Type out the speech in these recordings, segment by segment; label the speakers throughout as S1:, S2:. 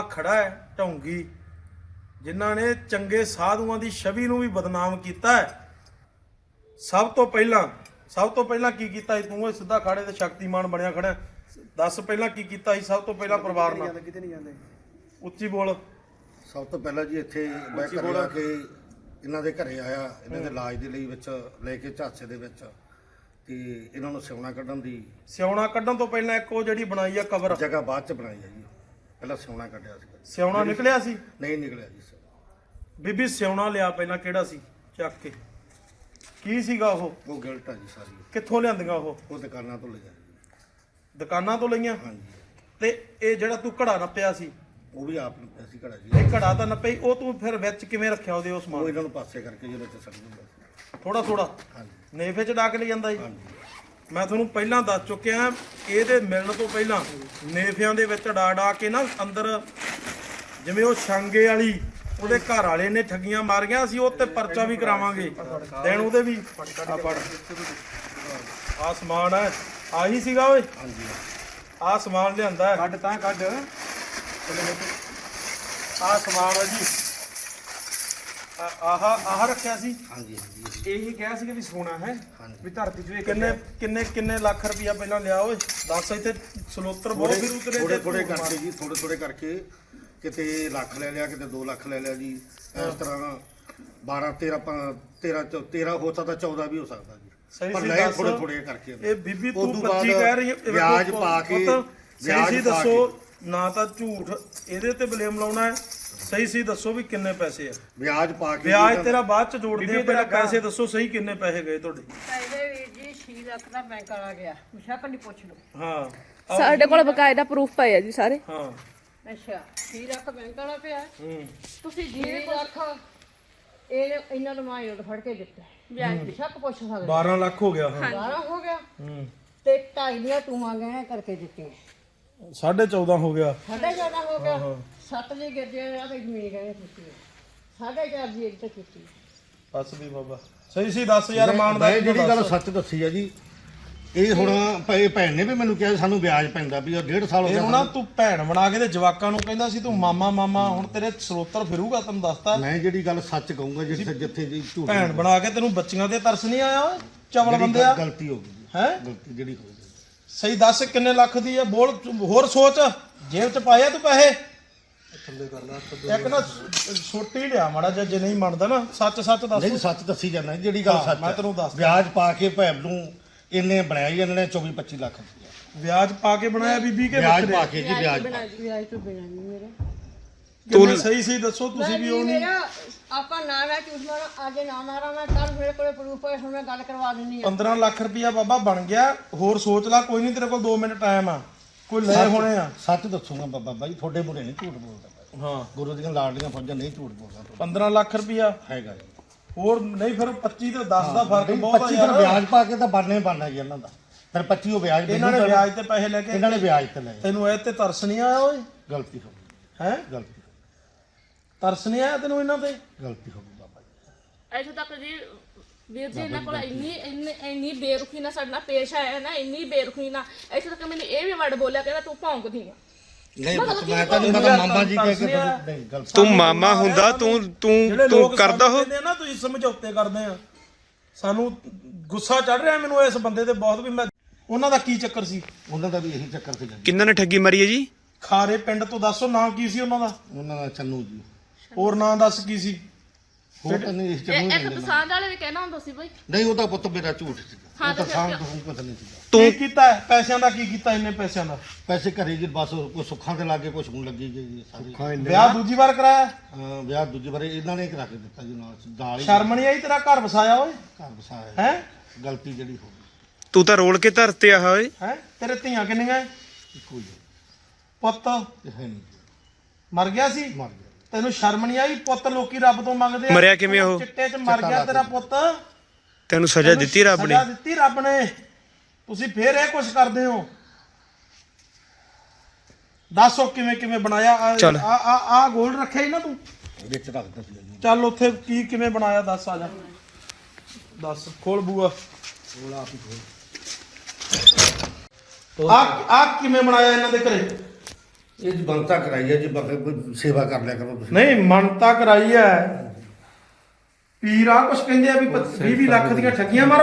S1: ਖੜਾ ਹੈ ਢੌਂਗੀ ਜਿਨ੍ਹਾਂ ਨੇ ਚੰਗੇ ਸਾਧੂਆਂ ਦੀ ਛਵੀ ਨੂੰ ਵੀ ਬਦਨਾਮ ਕੀਤਾ ਹੈ। ਸਭ ਤੋਂ ਪਹਿਲਾਂ ਕੀ ਕੀਤਾ ਸੀ ਤੂੰ? ਇਹ ਸਿੱਧਾ ਖਾੜੇ ਤੇ ਸ਼ਕਤੀਮਾਨ ਬਣਿਆ ਖੜਾ। ਦੱਸ ਪਹਿਲਾਂ ਕੀ ਕੀਤਾ ਸੀ ਸਭ ਤੋਂ ਪਹਿਲਾਂ ਪਰਿਵਾਰ ਨਾਲ?
S2: ਕਿਤੇ ਨਹੀਂ ਜਾਂਦੇ।
S1: ਉੱਚੀ ਬੋਲ।
S3: ਸਭ ਤੋਂ ਪਹਿਲਾਂ ਜੀ ਇੱਥੇ ਮੈਂ ਘਰੇ ਆ ਕੇ ਇਹਨਾਂ ਦੇ ਘਰੇ ਆਇਆ, ਇਹਨਾਂ ਦੇ ਇਲਾਜ ਦੇ ਲਈ ਵਿੱਚ ਲੈ ਕੇ ਝਾਂਸੇ ਦੇ ਵਿੱਚ, ਤੇ ਇਹਨਾਂ ਨੂੰ ਸਿਉਣਾ ਕੱਢਣ
S1: ਤੋਂ ਪਹਿਲਾਂ ਇੱਕ ਉਹ ਜਿਹੜੀ ਬਣਾਈ ਆ ਕਬਰ
S3: ਜਗ੍ਹਾ ਬਾਅਦ ਚ ਬਣਾਈ ਹੈ ਜੀ। ਪਹਿਲਾਂ ਸਿਉਣਾ ਕੱਢਿਆ ਸੀ।
S1: ਸਿਉਣਾ ਨਿਕਲਿਆ ਸੀ?
S3: ਨਹੀਂ ਨਿਕਲਿਆ ਜੀ।
S1: ਬੀਬੀ ਸਿਉਣਾ ਲਿਆ ਪਹਿਲਾਂ, ਕਿਹੜਾ ਸੀ? ਚੱਕ ਕੇ ਕੀ ਸੀਗਾ ਉਹ
S3: ਗਿਲਟ ਆ ਜੀ ਸਾਰੀ।
S1: ਕਿੱਥੋਂ ਲਿਆਂਦੀਆਂ ਉਹ
S3: ਦੁਕਾਨਾਂ ਤੋਂ ਲਈਆਂ ਜੀ।
S1: ਦੁਕਾਨਾਂ ਤੋਂ ਲਈਆਂ?
S3: ਹਾਂਜੀ।
S1: ਤੇ ਇਹ ਜਿਹੜਾ ਤੂੰ ਘੜਾ ਨੱਪਿਆ ਸੀ
S3: ਉਹ ਵੀ ਆਪ ਨੱਪਿਆ ਸੀ ਘੜਾ ਜੀ।
S1: ਇਹ ਘੜਾ ਤਾਂ ਨੱਪਿਆ, ਉਹ ਤੂੰ ਫਿਰ ਵਿੱਚ ਕਿਵੇਂ ਰੱਖਿਆ ਉਹਦੇ? ਉਸ
S3: ਉਹ
S1: ਸਮਾਨ
S3: ਇਹਨਾਂ ਨੂੰ ਪਾਸੇ ਕਰਕੇ ਜਿਹਦੇ ਚ ਸੜ ਦਿੰਦਾ ਸੀ
S1: ਥੋੜਾ
S3: ਹਾਂਜੀ।
S1: ਨੇਫੇ ਚ ਡਾਕ ਲੈ ਜਾਂਦਾ ਜੀ।
S3: ਹਾਂਜੀ।
S1: ਮੈਂ ਤੁਹਾਨੂੰ ਪਹਿਲਾਂ ਦੱਸ ਚੁੱਕਿਆ, ਇਹਦੇ ਮਿਲਣ ਤੋਂ ਪਹਿਲਾਂ ਨੇਫਿਆਂ ਦੇ ਵਿੱਚ ਡਾ ਕੇ ਨਾ ਅੰਦਰ, ਜਿਵੇਂ ਉਹ ਛਾਂਗੇ ਵਾਲੀ ਉਹਦੇ ਘਰ ਵਾਲੇ ਨੇ ਠੱਗੀਆਂ ਮਾਰੀਆਂ ਸੀ, ਉਹ ਤੇ ਪਰਚਾ ਵੀ ਕਰਾਵਾਂਗੇ ਦੇਣ ਉਹਦੇ ਵੀ। ਆ ਸਮਾਨ ਹੈ, ਆਹੀ ਸੀਗਾ ਓਏ।
S3: ਹਾਂਜੀ।
S1: ਆ ਸਮਾਨ ਲਿਆਂਦਾ
S2: ਕੱਢ ਤਾਂ ਕੱਢ।
S1: ਆ ਸਮਾਨ ਹੈ ਜੀ। ਆਹ ਰੱਖਿਆ ਸੀ।
S3: ਹਾਂਜੀ। ਹਾਂਜੀ।
S2: ਇਹੀ ਕਿਹਾ ਸੀ ਕਿ ਸੋਨਾ ਹੈ ਵੀ ਧਰਤੀ ਚ
S1: ਕਿੰਨੇ ਲੱਖ ਰੁਪਇਆ ਪਹਿਲਾਂ ਲਿਆ ਓਏ? ਦੱਸ। ਇੱਥੇ ਸਲੋਤਰ ਬਹੁਤ ਫਿਰ ਉਤਰੇ
S3: ਥੋੜੇ ਕਰਕੇ ਜੀ, ਥੋੜੇ ਕਰਕੇ ਕਿਤੇ ਲੱਖ ਲੈ ਲਿਆ, ਕਿਤੇ 2 ਲੱਖ ਲੈ ਲਿਆ ਜੀ। ਇਸ ਤਰ੍ਹਾਂ 12 13 ਹੋ ਸਕਦਾ, 14 ਵੀ ਹੋ ਸਕਦਾ ਜੀ। ਪਰ ਲੈ ਥੋੜੇ ਕਰਕੇ।
S1: ਇਹ ਬੀਬੀ ਤੂੰ 25 ਕਹਿ ਰਹੀ ਹੈ,
S3: ਵਿਆਜ ਪਾ ਕੇ
S1: ਸਹੀ ਦੱਸੋ ਨਾ, ਤਾਂ ਝੂਠ ਇਹਦੇ ਤੇ ਬਲੇਮ ਲਾਉਣਾ ਹੈ। ਸਹੀ ਦੱਸੋ ਵੀ ਕਿੰਨੇ ਪੈਸੇ ਆ?
S3: ਵਿਆਜ ਪਾ ਕੇ।
S1: ਵਿਆਜ ਤੇਰਾ ਬਾਅਦ ਚ ਜੋੜਦੇ ਆ, ਪਹਿਲਾਂ ਪੈਸੇ ਦੱਸੋ ਸਹੀ ਕਿੰਨੇ ਪੈਸੇ ਗਏ ਤੁਹਾਡੇ?
S4: ਪੈਸੇ ਵੀਰ ਜੀ 6 ਲੱਖ ਦਾ ਬੈਂਕ ਵਾਲਾ ਗਿਆ, ਮੁਸ਼ਕ ਨਹੀਂ ਪੁੱਛ ਲਓ।
S1: ਹਾਂ,
S5: ਸਾਡੇ ਕੋਲ ਬਕਾਇਦਾ ਪ੍ਰੂਫ ਪਏ ਆ ਜੀ ਸਾਰੇ।
S1: ਹਾਂ।
S4: ਅੱਛਾ 6 ਲੱਖ ਬੈਂਕ ਵਾਲਾ ਪਿਆ।
S5: ਤੁਸੀਂ
S4: 6 ਲੱਖ ਇਹ ਇਹਨਾਂ ਨੂੰ ਮਾਂ ਉੱਡ ਫੜ ਕੇ ਦਿੱਤਾ, ਵਿਆਜ ਮੁਸ਼ਕ ਪੁੱਛ ਸਕਦੇ।
S1: 12 ਲੱਖ ਹੋ ਗਿਆ। ਹਾਂ
S4: 12 ਹੋ ਗਿਆ। ਤੇ 2.5 ਦੀਆਂ ਟੂਆਂ ਗਏ ਕਰਕੇ ਦਿੱਤੀਆਂ,
S1: 14.5 ਹੋ ਗਿਆ।
S4: 4.5 ਹੋ ਗਿਆ। 7 ਦੀ ਗੱਜੇ ਆ ਤੇ ਜ਼ਮੀਨ ਗਏ ਕੀਤੀ, 4.5 ਦੀ ਇੱਕ ਤੇ ਕੀਤੀ।
S1: ਬਸ ਵੀ ਬਾਬਾ ਸਹੀ ਦੱਸ ਯਾਰ।
S3: ਮੈਂ ਜਿਹੜੀ ਗੱਲ ਸੱਚ ਦੱਸੀ ਆ ਜੀ, ਇਹ ਹੁਣ ਭੈਣ ਨੇ ਵੀ ਮੈਨੂੰ ਕਿਹਾ ਸਾਨੂੰ ਵਿਆਜ ਪੈਂਦਾ ਵੀ 1.5 ਸਾਲ ਹੋ ਗਿਆ।
S1: ਨਾ ਤੂੰ ਭੈਣ ਬਣਾ ਕੇ ਤੇ ਜਵਾਕਾਂ ਨੂੰ ਕਹਿੰਦਾ ਸੀ ਤੂੰ ਮਾਮਾ, ਹੁਣ ਤੇਰੇ ਸਰੋਤਰ ਫਿਰੂਗਾ। ਤੈਨੂੰ ਦੱਸਤਾ
S3: ਮੈਂ ਜਿਹੜੀ ਗੱਲ ਸੱਚ ਕਹੂੰਗਾ, ਜਿੱਥੇ ਜੀ ਝੂਠ
S1: ਭੈਣ ਬਣਾ ਕੇ ਤੈਨੂੰ ਬੱਚੀਆਂ ਤੇ ਤਰਸ ਨਹੀਂ ਆਇਆ ਓਏ? ਚਵਲ ਬੰਦੇ ਆ।
S3: ਗਲਤੀ ਹੋ ਗਈ
S1: ਹੈ
S3: ਗਲਤੀ ਜਿਹੜੀ ਹੋ ਗਈ।
S1: ਸਹੀ ਦੱਸ ਕਿੰਨੇ ਲੱਖ ਦੀ ਆ? ਬੋਲ ਹੋਰ ਸੋਚ। ਜੇਬ ਚ ਪਾਇਆ ਤੂੰ ਪੈਸੇ? ਇੱਕ ਨਾ ਛੋਟੀ ਲਿਆ ਮਾੜਾ ਜਿਹਾ, ਜੇ ਨਹੀਂ ਮੰਨਦਾ ਨਾ ਸੱਚ ਦੱਸ।
S3: ਨਹੀਂ ਸੱਚ ਦੱਸੀ ਜਾਂਦਾ ਜਿਹੜੀ ਗੱਲ ਸੱਚ।
S1: ਮੈਂ ਤੈਨੂੰ ਦੱਸਦਾ,
S3: ਵਿਆਜ ਪਾ ਕੇ ਭੈਣ ਨੂੰ ਇਹਨੇ ਬਣਾਇਆ ਹੀ ਇਹਨਾਂ ਨੇ 24-25 ਲੱਖ ਰੁਪਇਆ
S1: ਵਿਆਜ ਪਾ ਕੇ ਬਣਾਇਆ ਬੀਬੀ ਕੇ?
S3: ਵਿਆਜ ਪਾ ਕੇ ਜੀ, ਵਿਆਜ
S4: ਵਿਆਜ ਤੋਂ ਬਿਨਾਂ ਨਹੀਂ ਮੇਰੇ।
S1: ਤੂੰ ਸਹੀ ਦੱਸੋ। ਤੁਸੀਂ ਵੀ ਉਹ ਨਹੀਂ
S4: ਆਪਾਂ ਨਾ ਝੂਠ ਮਾਰਾਂ, ਅੱਜ ਨਾ ਮਾਰਾਂ ਮੈਂ, ਕੱਲ ਮੇਰੇ ਕੋਲੇ ਪ੍ਰੂਫ ਹੋਏ, ਹੁਣ ਮੈਂ ਗੱਲ ਕਰਵਾ ਦਿੰਦੀ ਆ।
S1: 15 ਲੱਖ ਰੁਪਇਆ ਬਾਬਾ ਬਣ ਗਿਆ। ਹੋਰ ਸੋਚ ਲੈ, ਕੋਈ ਨਹੀਂ, ਤੇਰੇ ਕੋਲ 2 ਮਿੰਟ ਟਾਈਮ ਆ। ਕੋਈ ਲੈ ਹੋਣੇ ਆ।
S3: ਸੱਚ ਦੱਸੂਗਾ ਬਾਬਾ ਜੀ, ਤੁਹਾਡੇ ਮੂਹਰੇ ਨਹੀਂ ਝੂਠ ਬੋਲਦਾ।
S1: ਹਾਂ,
S3: ਗੁਰੂ ਦੀਆਂ ਲਾਡਲੀਆਂ ਫੌਜਾਂ ਨਹੀਂ ਝੂਠ ਬੋਲਦਾ।
S1: 15 ਲੱਖ ਰੁਪਇਆ
S3: ਹੈਗਾ ਜੀ।
S1: ਹੋਰ ਨਹੀਂ ਫਿਰ 25 ਤੇ 10 ਦਾ ਫਰਕ ਬਹੁਤ ਆ
S3: 25
S1: ਯਾਰ।
S3: ਵਿਆਜ ਪਾ ਕੇ ਤਾਂ ਬਣਨਾ ਜੀ ਇਹਨਾਂ ਦਾ। ਫਿਰ 25 ਉਹ ਵਿਆਜ
S1: ਇਹਨਾਂ ਨੇ ਵਿਆਜ ਤੇ ਪੈਸੇ ਲੈ ਕੇ,
S3: ਇਹਨਾਂ ਨੇ ਵਿਆਜ ਤੇ ਲਏ।
S1: ਤੈਨੂੰ ਇਹ ਤੇ ਤਰਸ ਨਹੀਂ ਆਇਆ ਓਏ?
S3: ਗਲਤੀ ਹੋ ਗਈ।
S1: ਹੈ
S3: ਗਲਤੀ
S1: ਤਰਸ ਨਹੀਂ ਆਇਆ ਤੈਨੂੰ ਇਹਨਾਂ ਤੇ?
S3: ਗਲਤੀ ਹੋ ਗਈ ਬਾਬਾ ਜੀ।
S5: ਇੱਥੇ ਤੱਕ ਜੀ ਵੀਰ ਜੀ ਇਹਨਾਂ ਕੋਲ ਇੰਨੀ ਬੇਰੁਖੀ ਨਾਲ ਸਾਡੇ ਨਾਲ ਪੇਸ਼ ਆਇਆ ਨਾ, ਇੰਨੀ ਬੇਰੁਖੀ ਨਾਲ। ਇੱਥੇ ਤੱਕ ਮੈਨੂੰ ਇਹ ਵੀ ਵਰਡ ਬੋਲਿਆ, ਕਹਿੰਦਾ ਤੂੰ ਭੌਂਕਦੀ ਆ।
S3: ਨਹੀਂ ਮੈਂ ਤਾਂ ਨਹੀਂ, ਮੈਂ ਤਾਂ ਮਾਮਾ ਜੀ ਕਹਿ ਕੇ ਨਹੀਂ ਗਲਤੀ।
S6: ਤੂੰ ਮਾਮਾ ਹੁੰਦਾ, ਤੂੰ ਕਰਦਾ ਹੋ
S1: ਨਾ। ਤੁਸੀਂ ਸਮਝੌਤੇ ਕਰਦੇ ਆ, ਸਾਨੂੰ ਗੁੱਸਾ ਚੜ ਰਿਹਾ ਮੈਨੂੰ ਇਸ ਬੰਦੇ ਤੇ ਬਹੁਤ ਵੀ। ਮੈਂ ਉਹਨਾਂ ਦਾ ਕੀ ਚੱਕਰ ਸੀ?
S3: ਉਹਨਾਂ ਦਾ ਵੀ ਇਹੀ ਚੱਕਰ ਸੀ।
S6: ਕਿੰਨਾਂ ਨੇ ਠੱਗੀ ਮਾਰੀ ਹੈ ਜੀ?
S1: ਖਾਰੇ ਪਿੰਡ ਤੋਂ ਦੱਸੋ ਨਾਂ ਕੀ ਸੀ ਉਹਨਾਂ ਦਾ?
S3: ਉਹਨਾਂ ਦਾ ਚੰਨੂ ਜੀ।
S1: ਹੋਰ ਨਾਂ ਦੱਸ ਕੀ ਸੀ?
S3: ਹੋਰ ਤਾਂ ਨਹੀਂ ਇਸ ਚੰਨੂ
S5: ਇੱਕ ਪਸੰਦ ਵਾਲੇ ਵੀ ਕਹਿਣਾ ਹੁੰਦਾ ਸੀ ਬਈ।
S3: ਨਹੀਂ ਉਹਦਾ ਪੁੱਤ ਮੇਰਾ ਝੂਠ ਸੀ। ਉਹ ਤਾਂ ਸਾਂਭ ਤੋਂ ਪਤਾ ਨਹੀਂ ਸੀਗਾ।
S1: ਤੂੰ ਕੀਤਾ ਪੈਸਿਆਂ ਦਾ ਕੀ ਕੀਤਾ? ਇੰਨੇ ਪੈਸਿਆਂ ਦਾ
S3: ਪੈਸੇ ਘਰੇ ਜੀ ਬਸ ਕੋਈ ਸੁੱਖਾਂ ਦੇ ਲਾਗੇ ਕੁਝ ਹੁਣ ਲੱਗੀ ਗਈ ਸਾਰੀ।
S1: ਵਿਆਹ ਦੂਜੀ ਵਾਰ ਕਰਾਇਆ?
S3: ਵਿਆਹ ਦੂਜੀ ਵਾਰ ਇਹਨਾਂ ਨੇ ਕਰਾ ਕੇ ਦਿੱਤਾ ਜੀ ਨਾਲ ਹੀ।
S1: ਸ਼ਰਮ ਨਹੀਂ ਆਈ? ਤੇਰਾ ਘਰ ਵਸਾਇਆ ਓਏ?
S3: ਘਰ ਵਸਾਇਆ
S1: ਹੈ?
S3: ਗਲਤੀ ਜਿਹੜੀ ਹੋ ਗਈ।
S6: ਤੂੰ ਤਾਂ ਰੋਲ ਕੇ ਧਰਤੇ ਆ ਓਏ।
S1: ਹੈ ਤੇਰੇ ਧੀਆਂ ਕਿੰਨੀਆਂ?
S3: ਇੱਕੋ ਹੀ
S1: ਪੁੱਤ
S3: ਹੈ ਨਹੀਂ,
S1: ਮਰ ਗਿਆ ਸੀ?
S3: ਮਰ ਗਿਆ।
S1: ਤੈਨੂੰ ਸ਼ਰਮ ਨਹੀਂ ਆਈ? ਪੁੱਤ ਲੋਕੀ ਰੱਬ ਤੋਂ ਮੰਗਦੇ ਆ।
S6: ਮਰਿਆ ਕਿਵੇਂ ਉਹ?
S1: ਚਿੱਟੇ 'ਚ ਮਰ ਗਿਆ ਤੇਰਾ ਪੁੱਤ।
S6: ਤੈਨੂੰ ਸਜ਼ਾ ਦਿੱਤੀ ਰੱਬ ਨੇ?
S1: ਸਜ਼ਾ ਦਿੱਤੀ ਰੱਬ ਨੇ। ਤੁਸੀਂ ਫੇਰ ਇਹ ਕੁਛ ਕਰਦੇ ਹੋ? ਦੱਸੋ ਕਿਵੇਂ ਬਣਾਇਆ? ਆ ਗੋਲ ਰੱਖਿਆ ਹੀ ਨਾ ਤੂੰ
S3: ਵਿੱਚ ਰੱਖਦਾ ਸੀ ਜੀ।
S1: ਚੱਲ ਉੱਥੇ ਕਿਵੇਂ ਬਣਾਇਆ ਦੱਸ। ਆ ਜਾ ਦੱਸ, ਖੋਲ ਬੂਆ। ਆ ਕਿਵੇਂ ਬਣਾਇਆ ਇਹਨਾਂ ਦੇ ਘਰੇ?
S3: ਇਹ ਜੀ ਬੰਤਾ ਕਰਾਈ ਹੈ ਜੀ ਬਾਕੀ ਕੋਈ ਸੇਵਾ ਕਰ ਲਿਆ ਕਰੋ ਤੁਸੀਂ।
S1: ਨਹੀਂ ਮੰਨਤਾ ਕਰਾਈ ਐ ਪੀਰਾ ਕੁਛ ਕਹਿੰਦੇ ਆ ਵੀ 20 ਲੱਖ ਦੀਆਂ ਠੱਗੀਆਂ ਮਾਰੋ।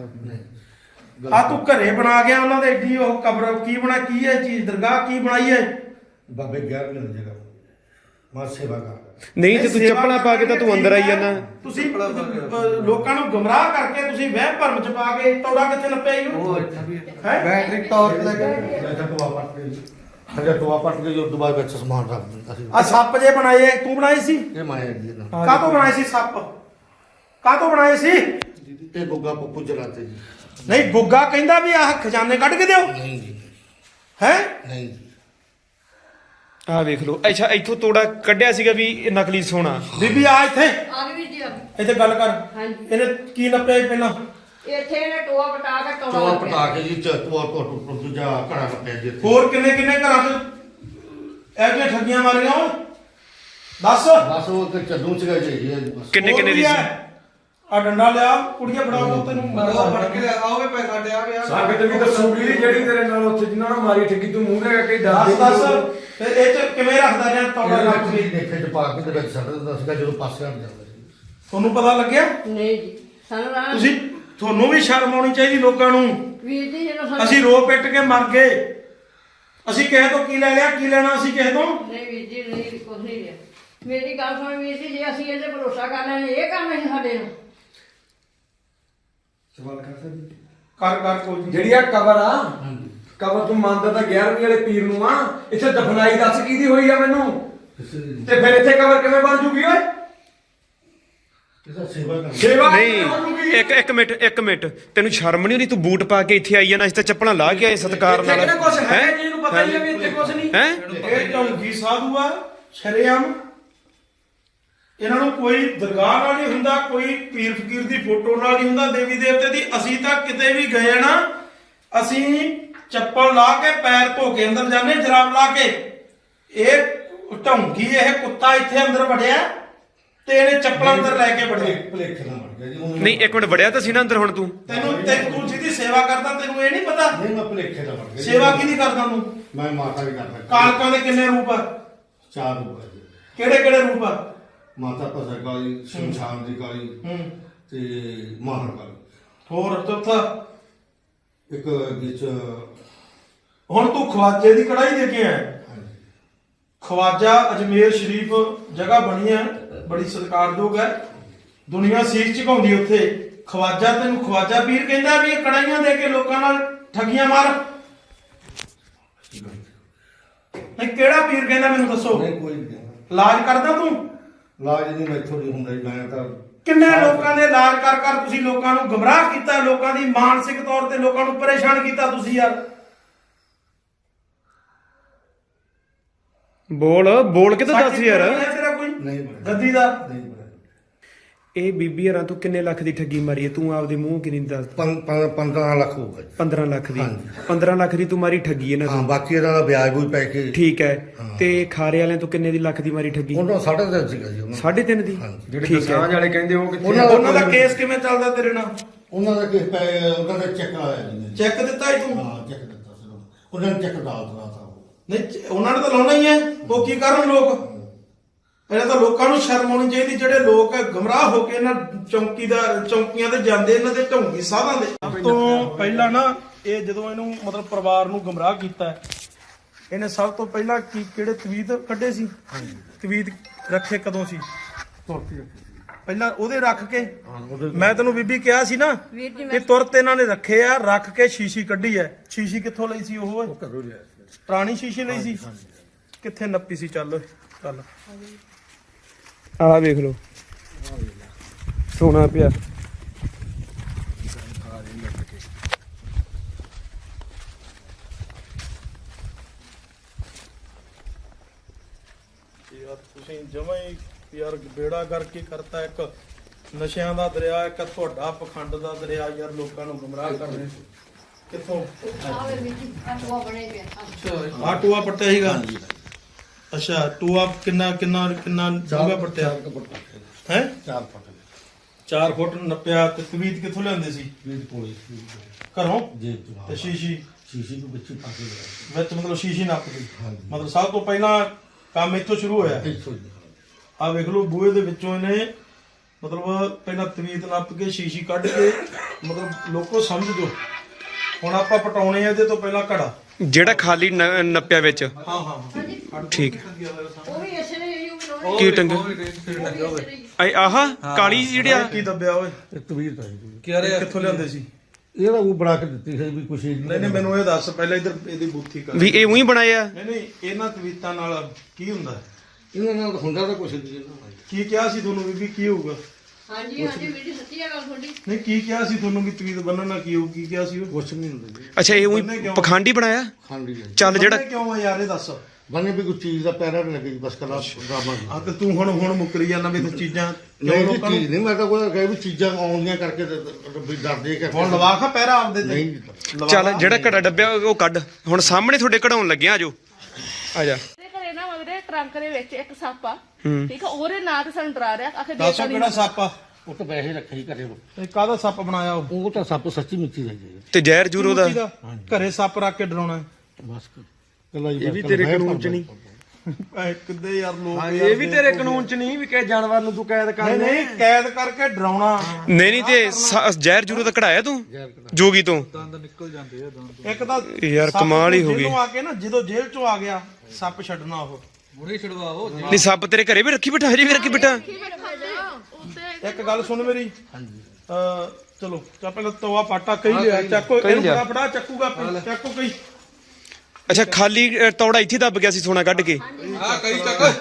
S1: ਆ ਤੂੰ ਘਰੇ ਬਣਾ ਗਿਆ ਉਹਨਾਂ ਦੇ ਏਡੀ ਉਹ ਕਬਰ ਕੀ ਬਣਾ ਕੀ ਹੈ ਚੀਜ਼ ਦਰਗਾਹ ਕੀ ਬਣਾਈ ਹੈ?
S3: ਬਾਬੇ 11 ਮਿੰਟ ਜਗ੍ਹਾ ਮੈਂ ਸੇਵਾ ਕਰ
S6: ਨਹੀਂ ਤੇ ਤੂੰ
S1: ਸੇਵਾ
S6: ਚੱਪਲਾਂ ਪਾ ਕੇ ਤਾਂ ਤੂੰ ਅੰਦਰ ਆਈ ਜਾਂਦਾ।
S1: ਤੁਸੀਂ ਲੋਕਾਂ ਨੂੰ ਗੁੰਮਰਾਹ ਕਰਕੇ ਤੁਸੀਂ ਵਹਿਮ ਭਰਮ ਚ ਪਾ ਕੇ ਤੋੜਾ ਕਿੱਥੇ ਨੱਪਿਆ ਹੀ ਹੈ?
S2: ਬੈਟਰੀ ਟਾਰਚ ਲੱਗੇ
S3: ਮੈਂ ਤਾਂ ਟੋਆ ਪੱਟ ਕੇ ਹਜੇ ਟੋਆ ਪੱਟ ਕੇ ਜੋ ਦੁਬਾਰਾ ਵਿੱਚ ਸਮਾਨ ਰੱਖ ਦਿੰਦਾ ਸੀ।
S1: ਆ ਸੱਪ ਜੇ ਬਣਾਏ ਆ, ਤੂੰ ਬਣਾਏ ਸੀ?
S3: ਇਹ ਮਾਇਆ ਜੀ ਨਾ
S1: ਕਾਹਤੋਂ ਬਣਾਏ ਸੀ ਸੱਪ? ਕਾਹਤੋਂ ਬਣਾਏ ਸੀ?
S3: ਇਹ ਗੁੱਗਾ ਪੱਪੂ ਚਲਾਤੇ ਜੀ।
S1: ਨਹੀਂ ਗੁੱਗਾ ਕਹਿੰਦਾ ਵੀ ਆਹ ਖਜ਼ਾਨੇ ਕੱਢ ਕੇ ਦਿਓ
S3: ਨਹੀਂ ਜੀ
S1: ਹੈ।
S3: ਨਹੀਂ ਜੀ
S6: ਆਹ ਵੇਖ ਲਓ। ਅੱਛਾ ਇੱਥੋਂ ਤੋੜਾ ਕੱਢਿਆ ਸੀਗਾ ਵੀ ਇਹ ਨਕਲੀ ਸੋਨਾ।
S1: ਬੀਬੀ ਆ ਇੱਥੇ
S4: ਆ ਗਈ ਵੀਰ ਜੀ ਆ ਗਈ।
S1: ਇੱਥੇ ਗੱਲ ਕਰ।
S4: ਹਾਂਜੀ
S1: ਇਹਨੇ ਕੀ ਨੱਪਿਆ ਸੀ ਪਹਿਲਾਂ?
S4: ਇੱਥੇ ਇਹਨੇ ਟੋਆ ਪਟਾ ਕੇ
S3: ਟੋਆ
S4: ਟੋਆ
S3: ਪਟਾ ਕੇ ਜੀ ਟੋਆ ਟੋਟ ਦੂਜਾ ਘੜਾ ਰੱਖਿਆ ਜੀ ਇੱਥੇ।
S1: ਹੋਰ ਕਿੰਨੇ ਕਿੰਨੇ ਘਰਾਂ 'ਚ ਇਹ ਜਿਹੀਆਂ ਠੱਗੀਆਂ ਮਾਰੀਆਂ ਓਏ? ਦੱਸ।
S3: ਬਸ ਉਹ ਤੇ ਚੱਦੂ ਸੀਗਾ ਜੀ ਬਸ।
S6: ਕਿੰਨੇ ਕਿੰਨੇ ਦੀ ਸੀ?
S1: ਆ ਡੰਡਾ ਲਿਆ ਕੁੜੀਆਂ ਫੜਾਓ ਤੈਨੂੰ
S2: ਫੜ ਕੇ ਆਓਗੇ ਪੈਸਾ ਡਿਆ ਗਿਆ
S7: ਸਾਬਿਤ ਵੀ ਦੱਸੂਗੀ ਜਿਹੜੀ ਤੇਰੇ ਨਾਲ ਉੱਥੇ ਜਿੰਨਾਂ ਨੂੰ ਮਾਰੀ ਠੱਗੀ ਤੂੰ ਮੂੰਹ ਲੈ ਕੇ
S1: ਦੱਸ ਦੱਸ ਫਿਰ ਇਹ 'ਚ ਕਿਵੇਂ ਰੱਖਦਾ ਰਿਹਾ ਤੋੜਾ ਰੱਖ
S3: ਇਹ
S1: ਕੇ?
S3: ਦੇਖੇ ਚ ਪਾ ਕੇ ਤੇ ਵਿੱਚ ਛੱਡ ਦਿੰਦਾ ਸੀਗਾ ਜਦੋਂ ਪਾਸੇ ਹਟ ਜਾਂਦਾ ਸੀ।
S1: ਤੁਹਾਨੂੰ ਪਤਾ ਲੱਗਿਆ?
S4: ਨਹੀਂ ਜੀ ਸਾਨੂੰ ਰਾਹ
S1: ਤੁਸੀਂ ਤੁਹਾਨੂੰ ਵੀ ਸ਼ਰਮ ਆਉਣੀ ਚਾਹੀਦੀ ਲੋਕਾਂ ਨੂੰ।
S4: ਵੀਰ ਜੀ ਜਦੋਂ ਸਾਨੂੰ
S1: ਅਸੀਂ ਰੋ ਪਿੱਟ ਕੇ ਮਰ ਗਏ। ਅਸੀਂ ਕਿਸੇ ਤੋਂ ਕੀ ਲੈ ਲਿਆ ਕੀ ਲੈਣਾ ਅਸੀਂ ਕਿਸੇ ਤੋਂ?
S4: ਨਹੀਂ ਵੀਰ ਜੀ ਨਹੀਂ ਕੁਝ ਨਹੀਂ ਲਿਆ। ਮੇਰੀ ਗੱਲ ਸੁਣ ਵੀਰ ਜੀ ਜੇ ਅਸੀਂ ਇਹਦੇ ਭਰੋਸਾ ਕਰ ਲੈਣੇ ਇਹ ਕੰਮ ਹੈ ਸਾਡੇ ਨੂੰ।
S7: ਸਵਾਲ ਕਰ ਸਕਦੀ
S1: ਕਰ ਕਰ ਕੋਈ ਨੀ।
S7: ਜਿਹੜੀ ਆ ਕਬਰ ਆ ਕਬਰ ਤੂੰ ਮੰਨਦਾ ਤਾਂ 11ਵੀਂ ਵਾਲੇ ਪੀਰ ਨੂੰ ਆ ਇੱਥੇ ਦਫਨਾਈ ਦੱਸ ਕਿਹਦੀ ਹੋਈ ਆ ਮੈਨੂੰ ਤੇ ਫਿਰ ਇੱਥੇ ਕਬਰ ਕਿਵੇਂ ਬਣ ਜੂਗੀ ਓਏ?
S3: ਇਹਦਾ ਸੇਵਾ ਕਰ
S7: ਸੇਵਾ
S6: ਨਹੀਂ ਇੱਕ ਮਿੰਟ ਤੈਨੂੰ ਸ਼ਰਮ ਨਹੀਂ ਆਉਂਦੀ? ਤੂੰ ਬੂਟ ਪਾ ਕੇ ਇੱਥੇ ਆਈ ਜਾਂਦਾ। ਅਸੀਂ ਤਾਂ ਚੱਪਲਾਂ ਲਾ ਕੇ ਆਏ ਸਤਿਕਾਰ ਨਾਲ।
S7: ਕਿਹੜਾ ਕੁਛ ਹੈ ਜੀ ਇਹਨੂੰ ਪਤਾ ਹੀ ਆ ਵੀ ਇੱਥੇ ਕੁਛ ਨਹੀਂ।
S6: ਹੈ
S1: ਇਹ ਢੌਂਗੀ ਸਾਧੂ ਆ ਸ਼ਰੇਆਮ। ਇਹਨਾਂ ਨੂੰ ਕੋਈ ਦਰਗਾਹ ਨਾਲ ਨਹੀਂ ਹੁੰਦਾ, ਕੋਈ ਪੀਰ ਫਕੀਰ ਦੀ ਫੋਟੋ ਨਾਲ ਨਹੀਂ ਹੁੰਦਾ, ਦੇਵੀ ਦੇਵਤੇ ਦੀ। ਅਸੀਂ ਤਾਂ ਕਿਤੇ ਵੀ ਗਏ ਨਾ ਅਸੀਂ ਚੱਪਲ ਲਾ ਕੇ ਪੈਰ ਧੋ ਕੇ ਅੰਦਰ ਜਾਂਦੇ ਜਰਾਬ ਲਾ ਕੇ। ਇਹ ਢੌਂਗੀ ਇਹ ਕੁੱਤਾ ਇੱਥੇ ਅੰਦਰ ਵੜਿਆ ਤੇ ਇਹਨੇ ਚੱਪਲਾਂ ਅੰਦਰ ਲੈ ਕੇ ਵੜਿਆ।
S3: ਭਲੇਖੇ ਨਾਲ ਮਰ ਗਿਆ ਜੀ ਉਹਨੂੰ।
S6: ਨਹੀਂ ਇੱਕ ਮਿੰਟ ਵੜਿਆ ਤਾਂ ਸੀ ਨਾ ਅੰਦਰ ਹੁਣ ਤੂੰ?
S1: ਤੂੰ ਜਿਹਦੀ ਸੇਵਾ ਕਰਦਾ ਤੈਨੂੰ ਇਹ ਨਹੀਂ ਪਤਾ
S3: ਨਹੀਂ ਮੈਂ ਭਲੇਖੇ ਨਾਲ ਮਰ ਗਿਆ।
S1: ਸੇਵਾ ਕਿਹਦੀ ਕਰਦਾ ਤੂੰ?
S3: ਮੈਂ ਮਾਤਾ ਵੀ ਕਰਦਾ।
S1: ਕਾਲਕਾਂ ਦੇ ਕਿੰਨੇ ਰੂਪ ਆ?
S3: 4 ਰੂਪ ਹੈ ਜੀ।
S1: ਕਿਹੜੇ ਕਿਹੜੇ ਰੂਪ ਆ?
S3: ਮਾਤਾ ਭਸਰ ਕਾਲੀ, ਸ਼ਮਸ਼ਾਨ ਦੀ ਕਾਲੀ ਤੇ ਮਾਹਰ ਕਾਲੀ।
S1: ਹੋਰ ਚੌਥਾ?
S3: ਇੱਕ ਵਿੱਚ
S1: ਹੁਣ ਤੂੰ ਖਵਾਜੇ ਦੀ ਕੜਾਈ ਦੇ ਕੇ ਆਇਆ। ਖਵਾਜਾ ਅਜਮੇਰ ਸ਼ਰੀਫ ਜਗ੍ਹਾ ਬਣੀ ਹੈ ਬੜੀ ਸਤਿਕਾਰਯੋਗ ਹੈ। ਦੁਨੀਆ ਸੀਸ ਝੁਕਾਉਂਦੀ ਉੱਥੇ। ਖਵਾਜਾ ਤੈਨੂੰ ਖਵਾਜਾ ਪੀਰ ਕਹਿੰਦਾ ਵੀ ਇਹ ਕੜਾਈਆਂ ਦੇ ਕੇ ਲੋਕਾਂ ਨਾਲ ਠੱਗੀਆਂ ਮਾਰ। ਨਹੀਂ ਕਿਹੜਾ ਪੀਰ ਕਹਿੰਦਾ ਮੈਨੂੰ ਦੱਸੋ?
S3: ਨਹੀਂ ਕੋਈ ਨਹੀਂ।
S1: ਇਲਾਜ ਕਰਦਾ ਤੂੰ?
S3: ਲਾਜ ਨਹੀਂ ਮੈਥੋਂ ਨਹੀਂ ਹੁੰਦਾ ਜੀ। ਮੈਂ ਤਾਂ
S1: ਕਿੰਨੇ ਲੋਕਾਂ ਦੇ ਇਲਾਜ ਕਰ ਕਰ ਤੁਸੀਂ ਲੋਕਾਂ ਨੂੰ ਗੁੰਮਰਾਹ ਕੀਤਾ। ਲੋਕਾਂ ਦੀ ਮਾਨਸਿਕ ਤੌਰ ਤੇ ਲੋਕਾਂ ਨੂੰ ਪਰੇਸ਼ਾਨ ਕੀਤਾ ਤੁਸੀਂ ਯਾਰ।
S6: ਬੋਲ ਕੇ ਤਾਂ ਦੱਸ ਯਾਰ।
S1: ਤੇਰਾ ਕੋਈ
S3: ਨਹੀਂ ਬਣਿਆ।
S1: ਗੱਦੀ ਦਾ
S3: ਨਹੀਂ ਬਣਿਆ।
S6: ਇਹ ਬੀਬੀ ਯਾਰਾਂ ਤੂੰ ਕਿੰਨੇ ਲੱਖ ਦੀ ਠੱਗੀ ਮਾਰੀ ਹੈ? ਤੂੰ ਆਪਦੇ ਮੂੰਹ ਕਿੰਨੀ ਦੱਸ?
S3: 15 ਲੱਖ ਹੋਊਗਾ ਜੀ।
S6: 15 ਲੱਖ ਦੀ।
S3: ਹਾਂਜੀ।
S6: 15 ਲੱਖ ਦੀ ਤੂੰ ਮਾਰੀ ਠੱਗੀ ਇਹਨਾਂ
S3: ਹਾਂ
S6: ਤੋਂ।
S3: ਬਾਕੀ ਇਹਦਾ ਦਾ ਵਿਆਜ ਵੀ ਪੈ ਕੇ
S6: ਠੀਕ ਹੈ। ਤੇ ਖਾਰੇ ਵਾਲਿਆਂ ਤੋਂ ਕਿੰਨੇ ਦੀ ਲੱਖ ਦੀ ਮਾਰੀ ਠੱਗੀ?
S3: ਉਹਨਾਂ 3.5 ਸੀਗਾ ਜੀ ਉਹਨਾਂ
S6: 3.5 ਦੀ।
S3: ਹਾਂਜੀ।
S7: ਜਿਹੜੇ
S6: ਠੀਕ ਹੈ।
S7: ਦਸਾਂਝ ਵਾਲੇ ਕਹਿੰਦੇ ਉਹ ਕਿੱਥੇ
S3: ਉਹਨਾਂ
S1: ਉਹਨਾਂ ਦਾ ਕੇਸ ਕਿਵੇਂ ਚੱਲਦਾ ਤੇਰੇ ਨਾਲ?
S3: ਉਹਨਾਂ ਦਾ ਕਿਸ ਪੈ ਉਹਨਾਂ ਦਾ ਚੈੱਕ ਆਇਆ ਜੀ ਨੇ।
S1: ਚੈੱਕ ਦਿੱਤਾ ਹੀ ਤੂੰ?
S3: ਹਾਂ ਚੈੱਕ ਦਿੱਤਾ ਸੀ ਉਹਨਾਂ ਨੇ। ਚੈੱਕ ਦਾਲ ਦਾ ਤਾਂ
S1: ਨਹੀਂ ਉਹਨਾਂ ਨੇ ਤਾਂ ਲਾਉਣਾ ਹੀ ਹੈ। ਉਹ ਕੀ ਕਰਨ ਲੋਕ? ਇਹਨਾਂ ਤਾਂ ਲੋਕਾਂ ਨੂੰ ਸ਼ਰਮ ਆਉਣੀ ਚਾਹੀਦੀ ਜਿਹੜੇ ਲੋਕ ਗਮਰਾਹ ਹੋ ਕੇ ਇਹਨਾਂ ਚੌਂਕੀਆਂ ਤੇ ਜਾਂਦੇ ਇਹਨਾਂ ਦੇ ਢੌਂਗੀ ਸਾਧਾਂ ਦੇ। ਸਭ ਤੋਂ ਪਹਿਲਾਂ ਨਾ ਇਹ ਜਦੋਂ ਇਹਨੂੰ ਮਤਲਬ ਪਰਿਵਾਰ ਨੂੰ ਗਮਰਾਹ ਕੀਤਾ ਇਹਨੇ ਸਭ ਤੋਂ ਪਹਿਲਾਂ ਕਿਹੜੇ ਤਵੀਤ ਕੱਢੇ ਸੀ? ਤਵੀਤ ਰੱਖੇ ਕਦੋਂ ਸੀ? ਪਹਿਲਾਂ ਉਹਦੇ ਰੱਖ ਕੇ ਮੈਂ ਤੈਨੂੰ ਬੀਬੀ ਕਿਹਾ ਸੀ ਨਾ
S4: ਵੀਰ ਜੀ
S1: ਇਹ ਤੁਰਤ ਇਹਨਾਂ ਨੇ ਰੱਖੇ ਆ। ਰੱਖ ਕੇ ਸ਼ੀਸ਼ੀ ਕੱਢੀ ਐ। ਸ਼ੀਸ਼ੀ ਕਿੱਥੋਂ ਲਈ ਸੀ? ਉਹ ਪੁਰਾਣੀ ਸ਼ੀਸ਼ੀ ਲਈ ਸੀ। ਕਿੱਥੇ ਨੱਪੀ ਸੀ? ਚੱਲ ਚੱਲ
S6: ਆਹ ਵੇਖ ਲਓ ਸੋਨਾ ਪਿਆ।
S1: ਯਾਰ ਤੁਸੀਂ ਜਮਾਂ ਹੀ ਯਾਰ ਬੇੜਾ ਕਰਕੇ ਕਰਤਾ। ਇੱਕ ਨਸ਼ਿਆਂ ਦਾ ਦਰਿਆ, ਇੱਕ ਤੁਹਾਡਾ ਪਖੰਡ ਦਾ ਦਰਿਆ। ਯਾਰ ਲੋਕਾਂ ਨੂੰ ਗੁੰਮਰਾਹ ਕਰ ਰਹੇ ਕਿੱਥੋਂ?
S4: ਆਵੇ ਵੀਰ ਜੀ ਆ ਟੋਆ ਬਣੇ ਪਿਆ।
S1: ਆ ਟੂਆ ਪੱਟਿਆ ਸੀਗਾ? ਅੱਛਾ ਟੂਆ ਕਿੰਨਾ ਡੂੰਘਾ ਪੱਟਿਆ ਹੈ?
S3: 4 ਫੁੱਟ
S1: 4 ਫੁੱਟ ਨੱਪਿਆ। ਤੇ ਤਵੀਤ ਕਿੱਥੋਂ ਲਿਆਂਦੇ ਸੀ?
S3: ਵੀ ਪੋਲੀ
S1: ਘਰੋਂ?
S3: ਜੇਬ ਤੋਂ
S1: ਤੇ ਸ਼ੀਸ਼ੀ
S3: ਸ਼ੀਸ਼ੀ ਨੂੰ ਵਿੱਚ ਪਾ ਕੇ ਲਿਆ
S1: ਵਿੱਚ ਮਤਲਬ ਸ਼ੀਸ਼ੀ ਨੱਪ ਗਈ ਮਤਲਬ ਸਭ ਤੋਂ ਪਹਿਲਾਂ ਕੰਮ ਇੱਥੋਂ ਸ਼ੁਰੂ ਹੋਇਆ।
S3: ਇੱਥੋਂ ਜੀ।
S1: ਆ ਵੇਖ ਲਓ ਬੂਹੇ ਦੇ ਵਿੱਚੋਂ ਇਹਨੇ ਮਤਲਬ ਪਹਿਲਾਂ ਤਵੀਤ ਨੱਪ ਕੇ ਸ਼ੀਸ਼ੀ ਕੱਢ ਕੇ ਮਤਲਬ ਲੋਕੋ ਸਮਝ ਜੋ। ਹੁਣ ਆਪਾਂ ਪਟਾਉਣੇ ਆ ਇਹਦੇ ਤੋਂ ਪਹਿਲਾਂ ਘੜਾ।
S6: ਜਿਹੜਾ ਖਾਲੀ ਨੱਪਿਆ ਵਿੱਚ।
S1: ਹਾਂ ਹਾਂ
S6: ਠੀਕ ਹੈ।
S4: ਉਹ ਵੀ ਇਸੇ ਨੇ ਹੀ ਬਣਾਉਣੇ
S6: ਕੀ ਟੰਗ ਆਹ ਕਾਲੀ ਜਿਹੜੀ ਆ
S1: ਕੀ ਦੱਬਿਆ ਓਏ?
S3: ਤਵੀਰ ਤਾਂ
S1: ਕਿੱਥੋਂ ਲਿਆਂਦੇ ਸੀ?
S3: ਇਹਦਾ ਉਹ ਬਣਾ ਕੇ ਦਿੱਤੀ ਸੀ ਵੀ ਕੁਛ
S1: ਨਹੀਂ ਨਹੀਂ ਮੈਨੂੰ ਇਹ ਦੱਸ ਪਹਿਲਾਂ ਇੱਧਰ ਇਹਦੀ ਬੂਥੀ ਕਰ।
S6: ਵੀ ਇਹ ਉਹੀ ਬਣਾਏ ਆ।
S1: ਨਹੀਂ ਨਹੀਂ ਇਹਨਾਂ ਤਵੀਤਾਂ ਨਾਲ ਕੀ ਹੁੰਦਾ?
S3: ਇਹਨਾਂ ਨਾਲ ਹੁੰਦਾ ਤਾਂ ਕੁਛ ਨਹੀਂ।
S1: ਕੀ ਕਿਹਾ ਸੀ ਤੁਹਾਨੂੰ ਬੀਬੀ ਕੀ ਹੋਊਗਾ?
S4: ਹਾਂਜੀ ਹਾਂਜੀ ਵੀਡੀ ਸੱਚੀ ਆ ਗੱਲ ਤੁਹਾਡੀ।
S1: ਨਹੀਂ ਕੀ ਕਿਹਾ ਸੀ ਤੁਹਾਨੂੰ ਵੀ ਤਵੀਤ ਬੰਨਣ ਨਾਲ ਕੀ ਹੋਊ? ਕੀ ਕਿਹਾ ਸੀ ਉਹ?
S3: ਕੁਛ ਨਹੀਂ ਹੁੰਦਾ ਜੀ।
S6: ਅੱਛਾ ਇਹ ਉਹੀ ਪਖੰਡੀ ਬਣਾਇਆ।
S3: ਖਾਂਡੀ ਹੈ
S6: ਚੱਲ ਜਿਹੜਾ
S1: ਬੰਨ੍ਹੇ ਕਿਉਂ ਆ ਯਾਰ ਇਹ ਦੱਸ?
S3: ਬੰਨੇ ਵੀ ਕੋਈ ਚੀਜ਼ ਦਾ ਪੈਰਾ ਨਹੀਂ ਲੱਗੀ ਬਸ ਕਲਾ ਡਰਾਮਾ
S1: ਆ ਤੇ ਤੂੰ ਹੁਣ ਮੁੱਕਰੀ ਜਾਂਦਾ ਵੀ ਤੂੰ ਚੀਜ਼ਾਂ
S3: ਨਹੀਂ ਜੀ
S1: ਲੋਕਾਂ ਨੂੰ-
S3: ਚੀਜ਼ ਨਹੀਂ ਮੈਂ ਤਾਂ ਕੋਈ ਕਹੇ ਵੀ ਚੀਜ਼ਾਂ ਆਉਂਦੀਆਂ ਕਰਕੇ ਵੀ ਡਰਦੇ ਕਿ
S1: ਹੁਣ ਲਵਾ ਖਾ ਪਹਿਰਾ ਆਪਦੇ ਤੇ
S3: ਨਹੀਂ
S1: ਲਵਾ
S6: ਚੱਲ ਜਿਹੜਾ ਘੜਾ ਡੱਬਿਆ ਉਹ ਕੱਢ। ਹੁਣ ਸਾਹਮਣੇ ਤੁਹਾਡੇ ਕਢਾਉਣ ਲੱਗਿਆ ਆਜੋ ਆ ਜਾ।
S5: ਇਹਦੇ ਘਰੇ ਨਾ ਮਗਰੇ ਟਰੰਕ ਦੇ ਵਿੱਚ ਇੱਕ ਸੱਪ ਆ ਠੀਕ ਆ ਉਹਦੇ ਨਾਂ ਤੇ ਸਾਨੂੰ ਡਰਾ ਰਿਹਾ ਆਖੇ
S1: ਦੱਸੋ ਕਿਹੜਾ ਸੱਪ ਆ?
S3: ਉਹ ਤਾਂ ਵੈਸੇ ਰੱਖਿਆ ਹੀ ਕਰੇ
S1: ਇਹ ਕਾਹਦਾ ਸੱਪ ਬਣਾਇਆ ਉਹ?
S3: ਉਹ ਤਾਂ ਸੱਪ ਸੱਚੀ ਮਿੱਟੀ ਦਾ ਜੀ
S6: ਤੇ ਜ਼ਹਿਰ ਜੂਰੋ ਦਾ
S1: ਘਰੇ ਸੱਪ ਰੱਖ ਕੇ ਡਰਾਉਣਾ ਹੈ।
S3: ਬਸ ਕੱਲਾ ਜੀ
S7: ਇਹ ਵੀ ਤੇਰੇ ਕਾਨੂੰਨ ਚ ਨਹੀਂ।
S1: ਐ ਕਿੱਦੇ ਯਾਰ ਲੋਕ
S7: ਹਾਂ
S1: ਯਾਰ
S7: ਇਹ ਵੀ ਤੇਰੇ ਕਾਨੂੰਨ ਚ ਨਹੀਂ ਵੀ ਕਿਸੇ ਜਾਨਵਰ ਨੂੰ ਤੂੰ ਕੈਦ ਕਰ
S1: ਨਹੀਂ ਨਹੀਂ ਕੈਦ ਕਰਕੇ ਡਰਾਉਣਾ।
S6: ਨਹੀਂ ਨਹੀਂ ਤੇ ਜ਼ਹਿਰ ਜੂਰੋ ਦਾ ਕਢਾਇਆ ਤੂੰ ਜੋਗੀ ਤੋਂ।
S1: ਇੱਕ ਤਾਂ
S6: ਯਾਰ
S1: ਸੱਪ
S6: ਕਮਾਲ ਹੀ ਹੋ ਗਈ।
S1: ਜੇਲ੍ਹੋਂ ਆ ਕੇ ਨਾ ਜਦੋਂ ਜੇਲ੍ਹ ਚੋਂ ਆ ਗਿਆ ਸੱਪ ਛੱਡਣਾ ਉਹ।
S6: ਨਹੀਂ ਸੱਪ ਤੇਰੇ ਘਰੇ ਵੀ ਰੱਖੀ ਬਿਠਾ ਹਜੇ ਵੀ ਰੱਖੀ ਬਿਠਾ।
S1: ਇੱਕ ਗੱਲ ਸੁਣ ਮੇਰੀ। ਹਾਂਜੀ ਚਲੋ ਚਾ ਪਹਿਲਾਂ ਤਵਾ ਪਾਟਾ ਕਹੀ ਲਿਆ ਚੱਕੋ ਇਹਨੂੰ
S6: ਲਿਆ।
S1: ਫੜਾ ਚੱਕੂਗਾ ਚੱਕੋ ਕਈ।
S6: ਅੱਛਾ ਖਾਲੀ ਤੌੜਾ ਇੱਥੇ ਦੱਬ ਗਿਆ ਸੀ ਸੋਨਾ ਕੱਢ ਕੇ।
S7: ਹਾਂ ਕਈ ਚੱਕ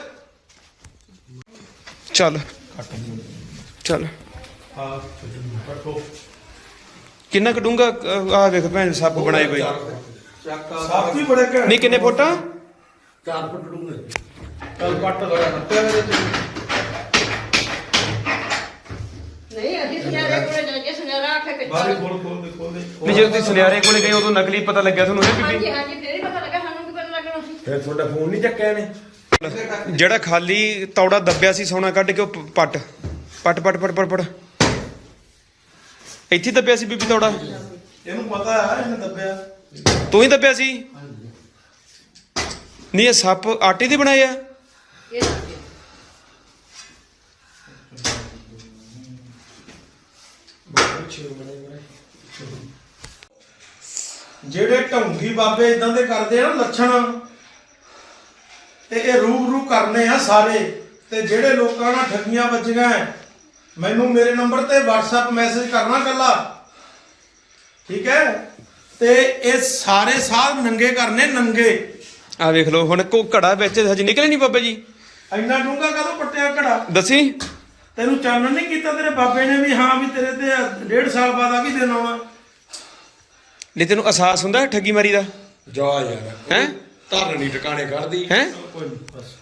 S6: ਚੱਲ ਚੱਲ
S1: ਹਾਂ ਕੱਟੋ।
S6: ਕਿੰਨਾ ਕਢੂੰਗਾ ਆ ਵੇਖ ਭੈਣ ਸੱਪ ਬਣਾਏ ਬਈ।
S1: ਸੱਪ ਵੀ ਬੜੇ ਘੈਂਟ।
S6: ਨਹੀਂ ਕਿੰਨੇ ਫੁੱਟ ਆ?
S3: 4 ਫੁੱਟ ਡੂੰਘੇ
S1: ਚੱਲ ਪੱਟ ਲਗਾ ਨੱਪਿਆ ਮੇਰੇ ਤੇ।
S4: ਨਹੀਂ ਅਸੀਂ ਸੁਨਿਆਰੇ ਕੋਲੇ ਜਾ ਕੇ ਸੁਨਿਆਰਾ ਆਖੇ
S1: ਬਾਹਰ
S4: ਕਿੱਥੇ।
S1: ਖੋਲ ਦੇ ਖੋਲ ਦੇ।
S6: ਨਹੀਂ ਜਦੋਂ ਤੁਸੀਂ ਸੁਨਿਆਰੇ ਕੋਲੇ ਗਏ ਉਦੋਂ ਨਕਲੀ ਪਤਾ ਲੱਗਿਆ ਤੁਹਾਨੂੰ ਇਹ ਬੀਬੀ?
S4: ਹਾਂਜੀ ਹਾਂਜੀ ਫੇਰ ਹੀ ਪਤਾ ਲੱਗਾ ਸਾਨੂੰ ਕੀ ਪਤਾ ਲੱਗਣਾ ਸੀ।
S7: ਫਿਰ ਤੁਹਾਡਾ ਫੋਨ ਨਹੀਂ ਚੱਕਿਆ ਨੇ।
S6: ਜਿਹੜਾ ਖਾਲੀ ਤੌੜਾ ਦੱਬਿਆ ਸੀ ਸੋਨਾ ਕੱਢ ਕੇ ਉਹ ਪੱਟ ਪੱਟ ਪੱਟ ਪੱਟ ਪੱਟ ਪੱਟ ਇੱਥੇ ਦੱਬਿਆ ਸੀ ਬੀਬੀ ਤੌੜਾ।
S1: ਇਹਨੂੰ ਪਤਾ ਹੈ ਇਹਨੇ ਦੱਬਿਆ।
S6: ਤੂੰ ਹੀ ਦੱਬਿਆ ਸੀ? ਨਹੀਂ ਇਹ ਸੱਪ ਆਟੇ ਦੇ ਬਣਾਏ ਆ।
S4: ਇਹ ਦੱਸ ਦਿਓ।
S1: ਜਿਹੜੇ ਢੌਂਗੀ ਬਾਬੇ ਇਦਾਂ ਦੇ ਕਰਦੇ ਆ ਨਾ ਲੱਛਣ ਤੇ ਇਹ ਰੂਬਰੂ ਕਰਨੇ ਆ ਸਾਰੇ। ਤੇ ਜਿਹੜੇ ਲੋਕਾਂ ਨਾਲ ਠੱਗੀਆਂ ਵੱਜੀਆਂ ਮੈਨੂੰ ਮੇਰੇ ਨੰਬਰ ਤੇ WhatsApp ਮੈਸੇਜ ਕਰਨਾ ਕੱਲਾ ਠੀਕ ਹੈ। ਤੇ ਇਹ ਸਾਰੇ ਸਾਧ ਨੰਗੇ ਕਰਨੇ ਨੰਗੇ।
S6: ਆ ਵੇਖ ਲਓ ਹੁਣ ਕੋ ਘੜਾ ਵਿੱਚ ਹਜੇ ਨਿਕਲੇ ਨਹੀਂ ਬਾਬਾ ਜੀ।
S1: ਇੰਨਾ ਡੂੰਘਾ ਕਦੋਂ ਪੱਟਿਆ ਘੜਾ?
S6: ਦੱਸੀ
S1: ਤੈਨੂੰ ਚਾਨਣ ਨਹੀਂ ਕੀਤਾ ਤੇਰੇ ਬਾਬੇ ਨੇ ਵੀ ਹਾਂ ਵੀ ਤੇਰੇ ਤੇ 1.5 ਸਾਲ ਬਾਅਦ ਆ ਵੀ ਦਿਨ ਆਉਣਾ?
S6: ਨਹੀਂ ਤੈਨੂੰ ਅਹਿਸਾਸ ਹੁੰਦਾ ਠੱਗੀ ਮਾਰੀ ਦਾ
S7: ਜਾ ਯਾਰ
S6: ਹੈ?
S7: ਧਰਨ ਨਹੀਂ ਟਿਕਾਣੇ ਕਰਦੀ
S6: ਹੈ?
S1: ਕੋਈ ਨਹੀਂ ਬਸ